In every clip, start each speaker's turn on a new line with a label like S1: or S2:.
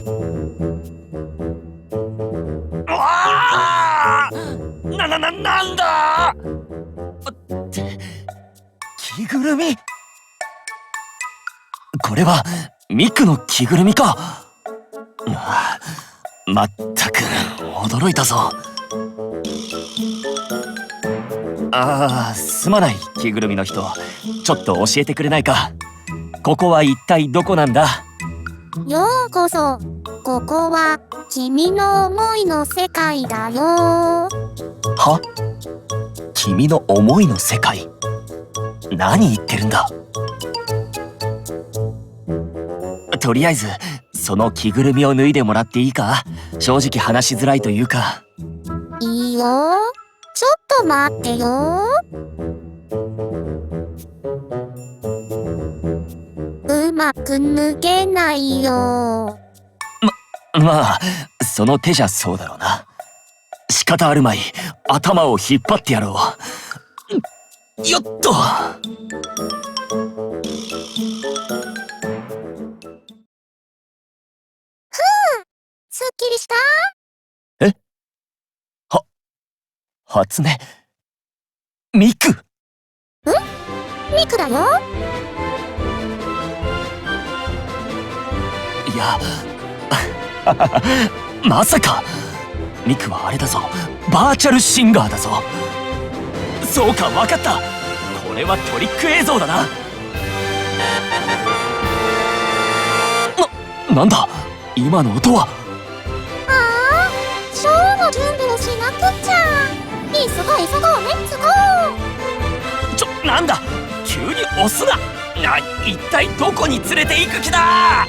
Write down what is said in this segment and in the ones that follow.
S1: うわー、なんだって着ぐるみ。これはミクの着ぐるみか。まったく驚いたぞ。すまない着ぐるみの人、ちょっと教えてくれないか。ここは一体どこなんだ？
S2: ようこそ。ここは君の思いの世界だよ。
S1: は？君の思いの世界？何言ってるんだ。とりあえずその着ぐるみを脱いでもらっていいか？正直話しづらいというか。
S2: いいよ。ちょっと待ってよ。うまく脱げないよ。
S1: まあその手じゃそうだろうな。仕方あるまい、頭を引っ張ってやろう。よっと。
S2: すっきりした？
S1: え？初音ミク。
S2: ミクだよ。
S1: いやまさか。ミクはあれだぞ、バーチャルシンガーだぞ。そうか、わかった。これはトリック映像だな。なんだ今の音は。
S2: ショーの準備をしなくっちゃ。急ごうレッツゴー。
S1: なんだ急に押すな。一体どこに連れて行く気だ。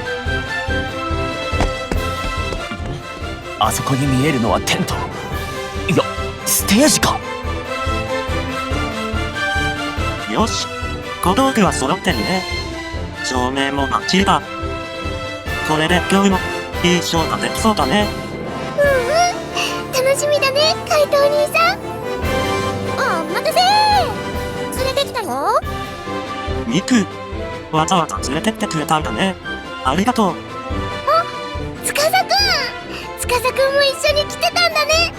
S1: あそこに見えるのはテント。いやステージか。
S3: よし、小道具は揃ってるね。照明もバッチリだ。これで今日もいいショーができそうだね。
S2: 楽しみだね、怪盗兄さん。お待たせー。連れてきたよ。
S3: ミク、わざわざ連れてってくれたんだね。ありがとう。
S2: 司くんも一緒に来てたんだね。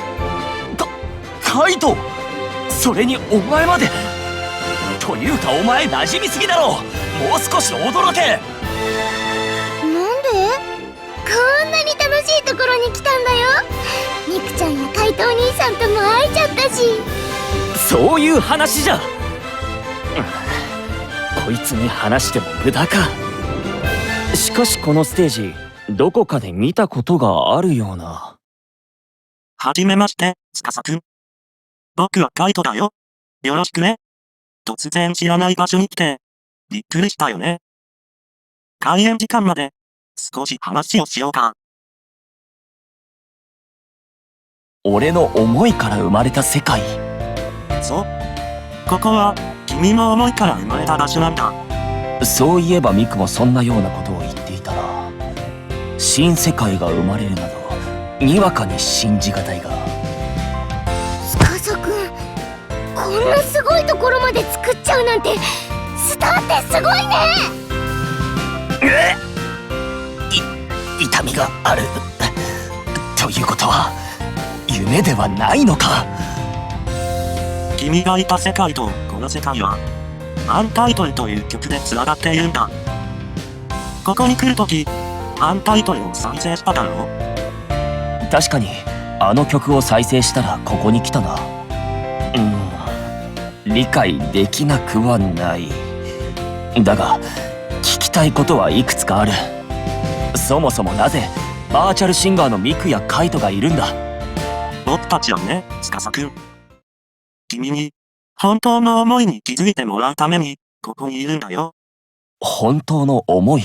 S1: カイト、それにお前まで。というかお前馴染みすぎだろ。もう少し驚け。
S2: なんで？こんなに楽しいところに来たんだよ。ミクちゃんや怪盗兄さんとも会えちゃったし。
S1: そういう話じゃ。こいつに話しても無駄か。しかしこのステージ、どこかで見たことがあるような。
S3: はじめまして、司くん。僕はカイトだよ。よろしくね。突然知らない場所に来て、びっくりしたよね。開演時間まで、少し話をしようか。
S1: 俺の思いから生まれた世界。
S3: そう。ここは、君の思いから生まれた場所なんだ。
S1: そういえばミクもそんなようなことを言っていたな。新世界が生まれるなど、にわかに信じがたいが。
S2: 司くん、こんなすごいところまで作っちゃうなんて、スターってすごいね。
S1: 痛みがある。ということは夢ではないのか。
S3: 君がいた世界とこの世界は、アンタイトルという曲で繋がっているんだ。ここに来るとき、アンタイトルを再生しただろう。
S1: 確かにあの曲を再生したらここに来たな。理解できなくはない。だが聞きたいことはいくつかある。そもそもなぜバーチャルシンガーのミクやカイトがいるんだ。
S3: 僕たちはね、司くん。君に、本当の思いに気づいてもらうために、ここにいるんだよ。
S1: 本当の思い？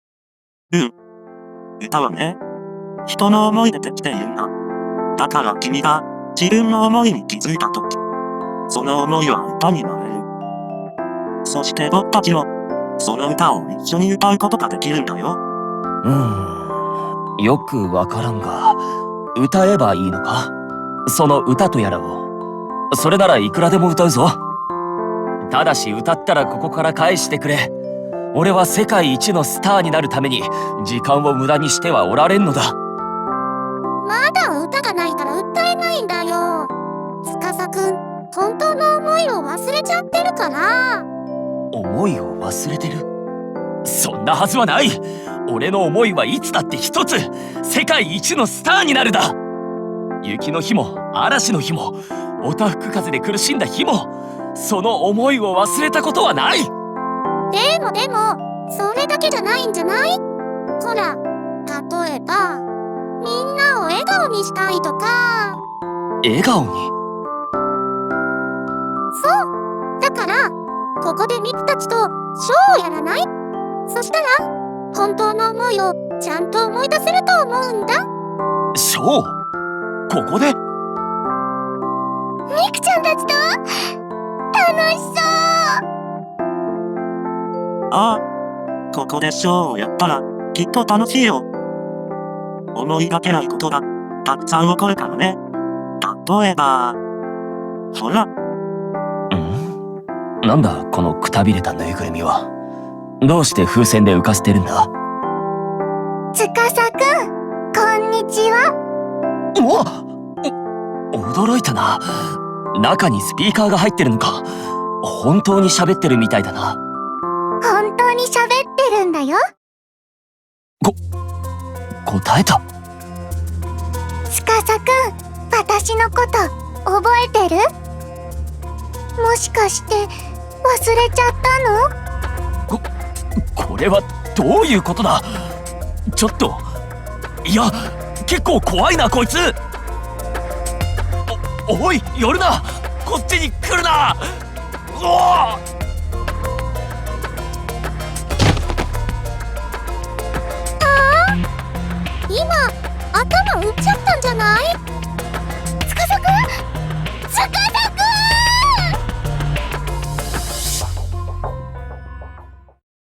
S3: 歌はね、人の思いでできているんだ。だから君が自分の思いに気づいたとき、その思いは歌になれる。そして僕たちも、その歌を一緒に歌うことができるんだよ。
S1: よくわからんが、歌えばいいのか？その歌とやらを。それならいくらでも歌うぞ。ただし歌ったらここから返してくれ。 俺は世界一のスターになるために時間を無駄にしてはおられんのだ。
S2: まだ歌がないから歌えないんだよ。司くん、本当の思いを忘れちゃってるかな。
S1: 思いを忘れてる？そんなはずはない。俺の思いはいつだって一つ、世界一のスターになるだ。雪の日も嵐の日もおたふく風で苦しんだ日も、その思いを忘れたことはない。
S2: でもそれだけじゃないんじゃない？ほら、例えばみんなを笑顔にしたいとか。
S1: 笑顔に？
S2: そうだから、ここでミクたちとショーをやらない？そしたら本当の思いをちゃんと思い出せると思うんだ。
S1: ショー？ここで？
S2: ミクちゃんたちと楽しそう。
S3: ああ、ここでショーをやったらきっと楽しいよ。思いがけないことがたくさん起こるからね。例えば、ほら。
S1: なんだこのくたびれたぬいぐるみは。どうして風船で浮かせてるんだ？
S2: 司くん、こんにちは。
S1: 驚いたな。中にスピーカーが入ってるのか。本当に喋ってるみたいだな。
S2: 本当に喋ってるんだよ。
S1: 答えた。
S2: 司くん、私のこと覚えてる？もしかして忘れちゃったの？
S1: これはどういうことだ？ちょっと、いや結構怖いなこいつ。おい、寄るな。こっちに来るな。
S2: 今頭打っちゃったんじゃない？